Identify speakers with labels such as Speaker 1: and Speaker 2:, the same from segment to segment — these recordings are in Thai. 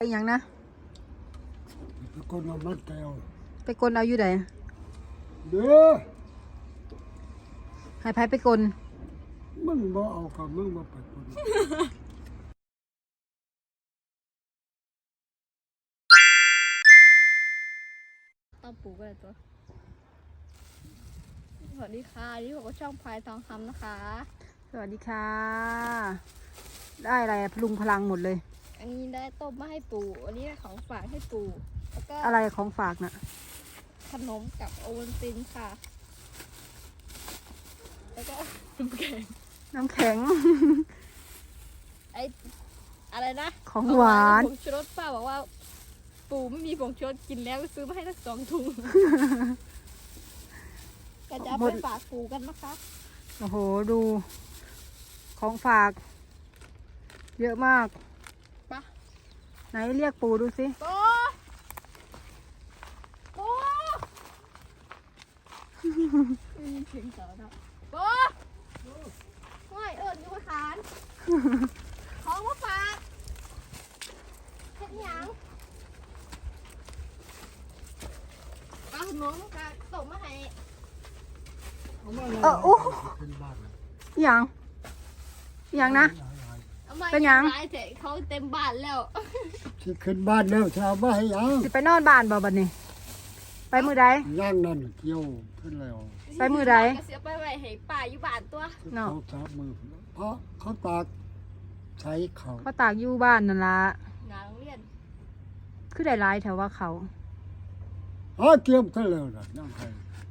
Speaker 1: ไปอย่างนะ
Speaker 2: ไปกดเอามัดแก้ว
Speaker 1: ไปกลเอาอยู่ไหน
Speaker 2: เด้อ
Speaker 1: ให้ไผไปกล
Speaker 2: มึงบ่เอากับมึงบ่ไปกด
Speaker 3: ต้องปลูกอะไรตัวสวัสดีค่ะนี่ผมก็ช่องพลายทองคำนะคะ
Speaker 1: สวัสดีค่ะได้อะไรพลุงพลังหมดเลย
Speaker 3: อันนี้ได้ต้มมาให้ปู่อันนี้ได้ของฝากให้ปู่แล้วก็
Speaker 1: อะไรของฝากน่ะ
Speaker 3: ขนมกับโอวัลตินค่ะแล้วก็น้ำแข็งไออะไรนะ
Speaker 1: ของหวาน
Speaker 3: ผงชูรสป้าบอกว่าปู่ไม่มีผงชูรสกินแล้วซื้อมาให้ทั้ง2 ถุงก็จะไปฝากปู่กันนะคะ
Speaker 1: โอ้โหดูของฝากเยอะมาก
Speaker 3: ปะ
Speaker 1: ไหนเรียกปู่ดูสิ
Speaker 3: ปู่เสียงเสาเนาะปู่ห้อยอยู่มาขานของมาฝากเฮ็ดหยังเอาขนมกับต้มมาให้
Speaker 1: โอ้อย่างนะเป็นยัง
Speaker 3: เขาเต็มบ้านแล้ว
Speaker 2: สิขึ้นบ้านแล้วชาวบ้านให้ยัง
Speaker 1: สิไปนอนบ้านบ่บัดนี้ไปมื้อใด
Speaker 2: ย่างนั่นเกี่ยวขึ้นแล้ว
Speaker 1: ไปมื้อใด
Speaker 3: เสียไปไว้ให้ป้าอยู่บ้านตัว
Speaker 2: เขาจับมือเพราะเขาตากใช้เขา
Speaker 1: ตากอยู่บ้านนั่นล่ะ
Speaker 3: งานโรงเรียน
Speaker 1: คือได้หลายแถวว่าเขา
Speaker 2: เกี่ยวขึ้นแล้วน่ะย่างไผ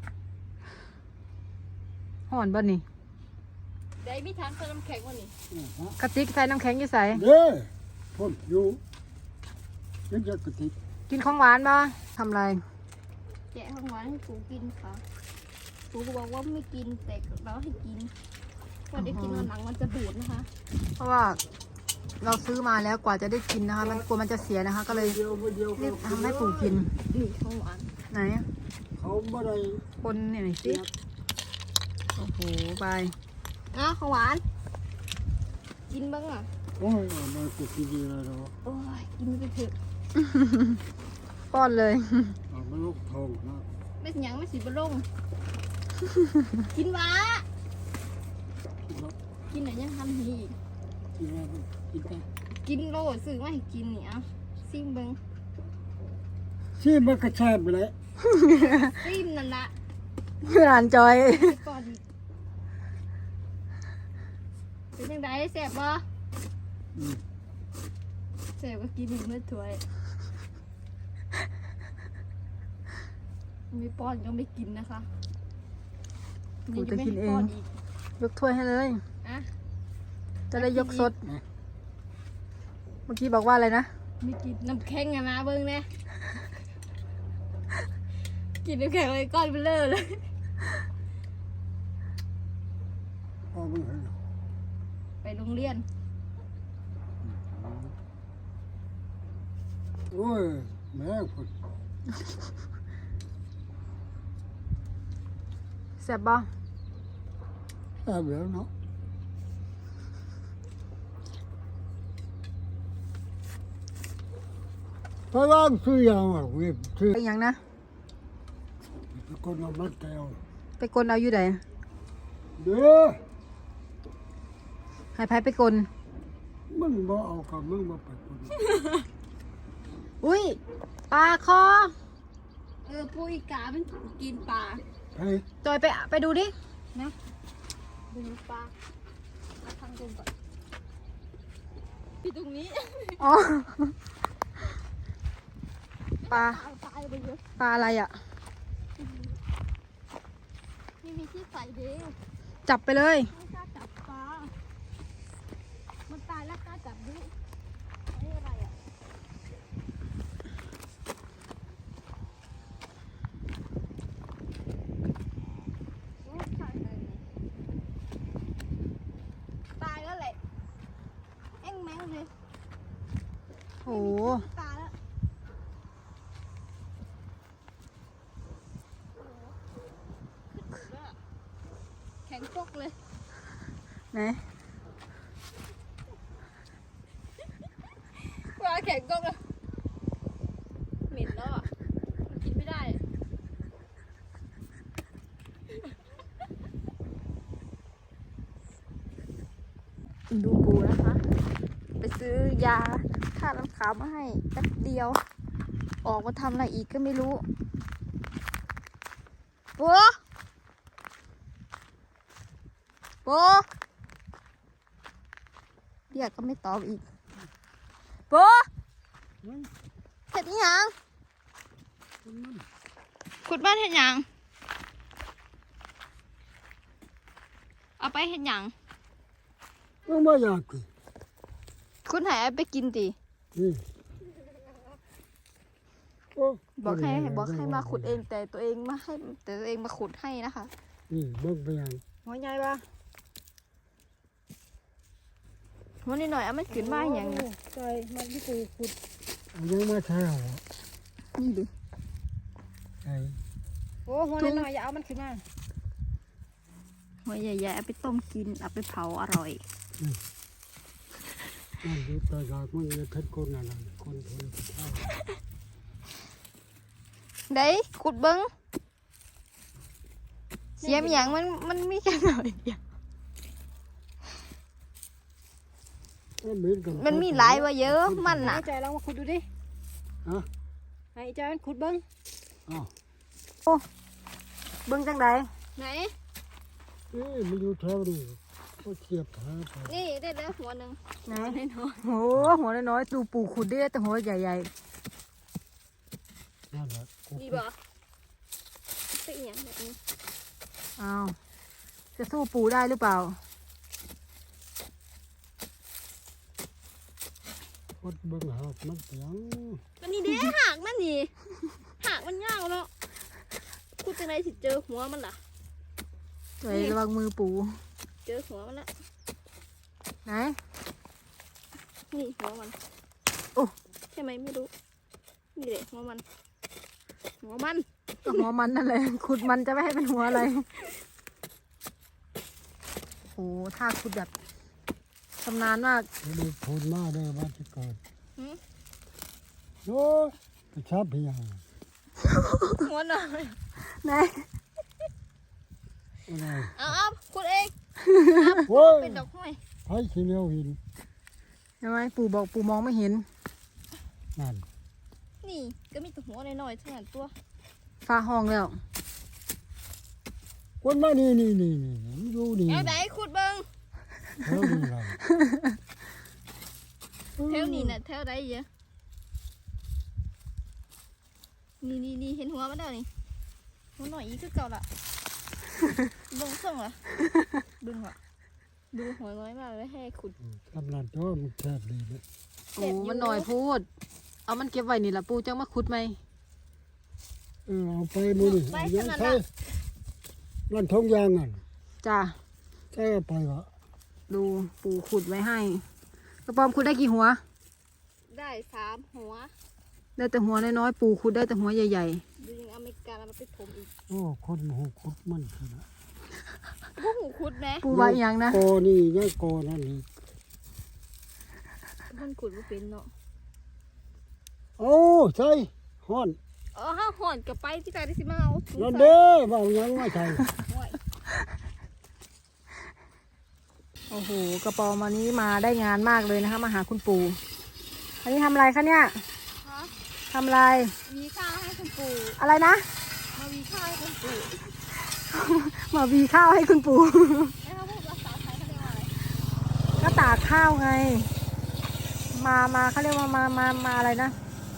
Speaker 1: ฮ้อนบ่นี่
Speaker 3: ได้มีทางใส่น้ำแข็งวันนี้
Speaker 1: กระติกใส่น้ำแข็งอยู่ใส่
Speaker 2: เด้พ่นอยู่ยังจะกระติก
Speaker 1: กินของหวานบ่ทำไร
Speaker 3: แกะของหวานให้ปู่กินค่ะปู่บอกว่าไม่กินแต่เราให้กินพอได้กินวันหลังมันจะบูดนะคะ
Speaker 1: เพราะว่าเราซื้อมาแล้วกว่าจะได้กินนะคะมันกลัวมันจะเสียนะคะก็เลยรีบทำให้ปู่กิน
Speaker 3: นี่ของหวาน
Speaker 1: ไหน
Speaker 2: เขาไม่ได้
Speaker 1: คนเนี่ยหน่อยสิโอ้โหไป
Speaker 3: ของหวานกินบ้างอ่ะ
Speaker 2: โอ้ยมันก็กินดีเลยเนาะ
Speaker 3: โอ้ยกินไปเถอะ
Speaker 1: ป้อนเลย
Speaker 2: มันลูกทองนะ
Speaker 3: ไม่สิยังไม่สิบลงกินวะกินไหนยังทำหีกินโลดซื้อมาให้กินเนี่ยซิมเบิ้ง
Speaker 2: ซิมมันก็แซ่บเลย
Speaker 3: ซิมนั่นละ
Speaker 1: คืออ่านจอย
Speaker 3: เป็นยังไงแซ่บบ่แซ่บก็กินหนึ่งเมื่อถ้วยไม่ป้อนก็ไม่กินนะคะ
Speaker 1: กูจะกินเองยกถ้วยให้เลยจะได้ยกสดเมื่อกี้บอกว่าอะไรนะ
Speaker 3: ไม่กินน้ำแข็งนะเบิ้งเนี่ยกินน้ำแข็งเลยก้อนเบลอเลยไปโรงเรียน
Speaker 2: โอ้ยแม่คน
Speaker 1: แซ่บบ่
Speaker 2: แซ่บแล้วเนาะพระร่างซื้อยังอ่ะเว้ยซื้อ
Speaker 1: ไปอย่างนะ
Speaker 2: ไปกดเอามัดแก้ว
Speaker 1: ไปกลเอาอยู่ไหน
Speaker 2: เด้อ
Speaker 1: ให้ไผไปกล
Speaker 2: มึงบ่เอากับมึงบ่ไปกด
Speaker 1: อุ้ยปลาคอ
Speaker 3: ปูอีกามันกินปลา
Speaker 1: จอยไปดูดิ
Speaker 3: นะดูปลาทางตรงก่อนที่ตรงนี้
Speaker 1: อ๋อปลาอะไรอ่ะ
Speaker 3: นี่มีที่ใส่เด้อ
Speaker 1: จับไปเลย
Speaker 3: ไม่กล้าจับปลามันตายแล้วกล้าจับดินี่อะไรอ่ะตายแล้วแหละแม่งเลย
Speaker 1: โอ้
Speaker 3: ตายแล้วแข็งปกเลย
Speaker 1: ไหน
Speaker 3: ปลาแข็งกกเลยดูปูนะคะ ไปซื้อยาฆ่าน้ำขาวมาให้แป๊บเดียว ออกมาทำอะไรอีกก็ไม่รู้ปูปูเรียกก็ไม่ตอบอีกปูเห็ดอีหยังขุดบ้านเห็ดหยังเอาไปเห็ดหยัง
Speaker 2: ไม่อยากกิน
Speaker 3: คุณหายไปกินดิ
Speaker 2: นี่โอ้
Speaker 3: บอกให้มาขุดเองแต่ตัวเองมาให้แต่ตัวเองมาขุดให้นะคะ
Speaker 2: นี่เบิ่งไปยัง
Speaker 1: หัวใหญ่ปะ
Speaker 3: วันนี้หน่อยเอามันขึ้นมาอย่างนี้
Speaker 1: ใช่มันที่ปูขุด
Speaker 2: เอายังมาแช่วะ
Speaker 3: นี่ดิ
Speaker 2: ไอ้
Speaker 1: โอ้หัวหน่อยอย่าเอามันขึ้นมา
Speaker 3: หัวใหญ่ๆเอาไปต้มกินเอาไปเผาอร่อย
Speaker 2: นั่นดูตาอยากมันจะทัดคนอะไรคนทนข้าว
Speaker 3: ได้ขุดเบิ้งเสียมอย่างมันมีแค่หน่อยเดียวมันมีหลายว่าเยอะมันน่ะ
Speaker 1: ให้ใจลองมาขุดดูดิ
Speaker 2: ฮะ
Speaker 1: ให้ใจมันขุดเบิ้ง
Speaker 2: อ้าว
Speaker 1: เบิ้งจังใด
Speaker 3: ไหน
Speaker 2: นี่มันอยู่แถวนี้ก็เทียบหาไป
Speaker 3: นี่ได้แล้วหัวหนึ่ง
Speaker 1: ไหน
Speaker 3: น้อย
Speaker 1: โอ้หัวน้อยๆดูปูขุดได้แต่หัวใหญ่
Speaker 2: นั่นแหละกู
Speaker 3: ๆดีบ่เป็นอย่างแบบนี้
Speaker 1: ๆอ้าวจะสู้ปูได้หรือเปล่า
Speaker 2: กดเบิ่งหากมันเสียง
Speaker 3: มันนี่เด้หากมันนี่หากมันยาวเนาะขุดจังไรสิเจอหัวมันล่ะ
Speaker 1: ใจระวังมือปู
Speaker 3: เจอหัวมันละ
Speaker 1: ไหน
Speaker 3: นี่หัวมัน
Speaker 1: โอ้
Speaker 3: ใช่ไหมไม่รู้นี่แหละหัวมันหัวมัน
Speaker 1: ก็หัวมันนั่นแหละขุดมันจะไม่ให้เป็นหัวอะไรโอ้ถ้าขุดแบบชำนาญมาก
Speaker 2: จะได้พูดมาได้ว่าจะเกิด
Speaker 3: หืม
Speaker 2: โอ้ยไปชับเพียง
Speaker 3: หัวหน่อย
Speaker 1: ไหน
Speaker 2: อะไร
Speaker 3: เอาขุดเอง
Speaker 2: โอ้ย
Speaker 3: เป็นดอกห้อย
Speaker 2: ไผ่ขี้เหนียวหิน
Speaker 1: ทำไมปูบอกปูมองไม่เห็น
Speaker 2: นั่น
Speaker 3: นี่ก็มีแต่หัวหน่อยๆเท่านั้นตัว
Speaker 1: ฟ้าห้องแล้ว
Speaker 2: คนมานี่อยู่นี่
Speaker 3: เอาไหนขุดเบิ้ง
Speaker 2: แถวนี้เลย
Speaker 3: แถวนี้น่ะแถวใดเยอะนี่เห็นหัวมันแล้วนี่หัวหน่อยอีกคือเก่าละเบิ้งส่งเหรอดึงเหรอดูหัวน้อยมากเลยให้ขุด
Speaker 2: ทำนั่นตัวมันแทบดีเลย
Speaker 1: โอ้มันหน่อยพูด เอามันเก็บไว้นี่ละปูจังมาขุดไหม
Speaker 2: เอาไปมือนี่ยังใช่นั่นทงยางอ่ะ
Speaker 1: จ้า
Speaker 2: ใช่เอาไปวะ
Speaker 1: ดูปูขุดไว้ให้ กระปอมขุดได้กี่หัว
Speaker 3: ได้3 หัว
Speaker 1: ได้แต่หัวน้อยๆปูขุดได้แต่หัวใหญ่
Speaker 3: ดูยังอเมริกาแล้วมันไปถมอีก
Speaker 2: โอ้คนหูคุดมันขนาด
Speaker 3: พวกหูขุดไหม
Speaker 1: ๆ ปูไว้อยังนะ
Speaker 2: โกนี่ยังโกนั่นนี่
Speaker 3: มันขุดไม่เป็นเนาะ
Speaker 2: โอ้ใช่ฮ้อน
Speaker 3: ห้าห่อนกับไปที่ตาได้สิมาเอาถุง
Speaker 2: นั่น
Speaker 3: ใส่
Speaker 2: เด้อบ่าวยังไม่ใช่
Speaker 3: ห้อย
Speaker 1: โอ้โหกระปอมวันนี้มาได้งานมากเลยนะคะมาหาคุณปูอันนี้ทำอะไรคะเนี่ย
Speaker 3: ฮะ
Speaker 1: ทำอะไร
Speaker 3: มีข้าวให้คุณปู่
Speaker 1: อะไรนะ
Speaker 3: มามีข้าวให้คุณปู่
Speaker 1: มาวีข้าวให้คุณปู
Speaker 3: แล้วเขาพูดภาษาไทยเขาเรียกว่าอะไร
Speaker 1: ก็ตากข้าวไง มาเขาเรียกว่ามาอะไรนะ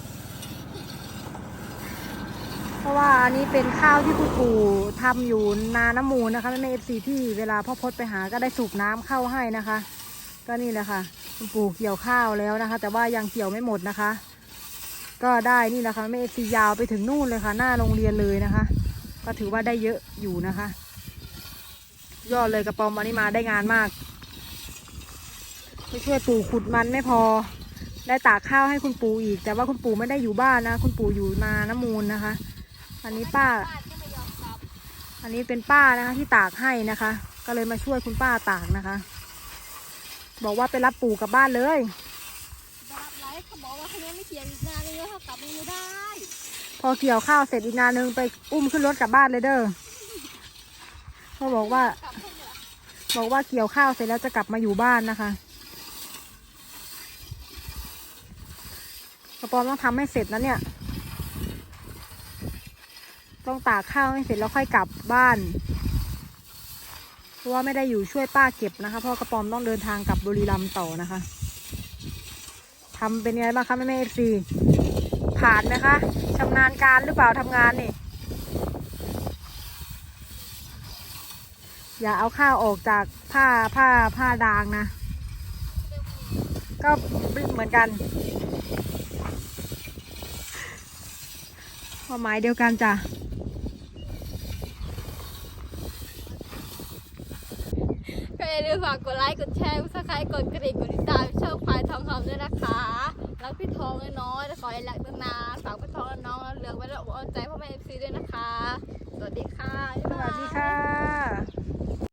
Speaker 1: เพราะว่าอันนี้เป็นข้าวที่คุณปู่ทำอยู่นาน้ำมูลนะคะแม่เอฟซีที่เวลาพ่อพดไปหาก็ได้สูบน้ำเข้าให้นะคะ ก็นี่แหละค่ะคุณปู่เกี่ยวข้าวแล้วนะคะ แต่ว่ายังเกี่ยวไม่หมดนะคะ ก็ได้นี่แหละค่ะแม่เอฟซียาวไปถึงนู่นเลยค่ะ หน้าโรงเรียนเลยนะคะ ก็ถือว่าได้เยอะอยู่นะคะ ยอดเลยกระปอมวันนี้มาได้งานมากไปช่วยปู่ขุดมันไม่พอ ได้ตากข้าวให้คุณปู่อีก แต่ว่าคุณปู่ไม่ได้อยู่บ้านนะ คุณปู่อยู่นาน้ำมูลนะคะ อันนี้ป้า
Speaker 3: บ้านก็ไม่ยอมกลับ
Speaker 1: อันนี้เป็นป้านะคะที่ตากให้นะคะ ก็เลยมาช่วยคุณป้าตากนะคะ บอกว่าไปรับปู่กลับบ้านเลย
Speaker 3: บาปไรเขาบอกว่าเขายังไม่เขียนอีกนานเลยเขากลับไม่ได้
Speaker 1: พอเกี่ยวข้าวเสร็จอีกนานนึงไปอุ้มขึ้นรถกลับบ้านเลยเด้อเขาบอกว่า
Speaker 3: กลับเพิ่งเหรอ
Speaker 1: บอกว่าเกี่ยวข้าวเสร็จแล้วจะกลับมาอยู่บ้านนะคะกระปอมต้องทำให้เสร็จนะเนี่ยต้องตากข้าวให้เสร็จแล้วค่อยกลับบ้านเพราะว่าไม่ได้อยู่ช่วยป้าเก็บนะคะเพราะกระปอมต้องเดินทางกลับบุรีรัมย์ต่อนะคะทำเป็นไงบ้างคะแม่FCผ่านไหมคะชำนาญการหรือเปล่าทำงานนี่อย่าเอาข้าวออกจากผ้าดางนะก็เหมือนกันความหมายเดียวกันจ้ะ
Speaker 3: ก็อย่าลืมฝากกดไลค์กดแชร์กดซับสไครต์กดกระดิ่งกดติดตามช่องพายทองคำด้วยนะคะรักพี่ทองน้อยๆและขอให้รักนานๆฝากพี่ทองและน้องเลือกไว้แล้วเอาใจพ่อแม่ FC ด้วยนะคะสวัสดีค่ะ
Speaker 1: สวัสดี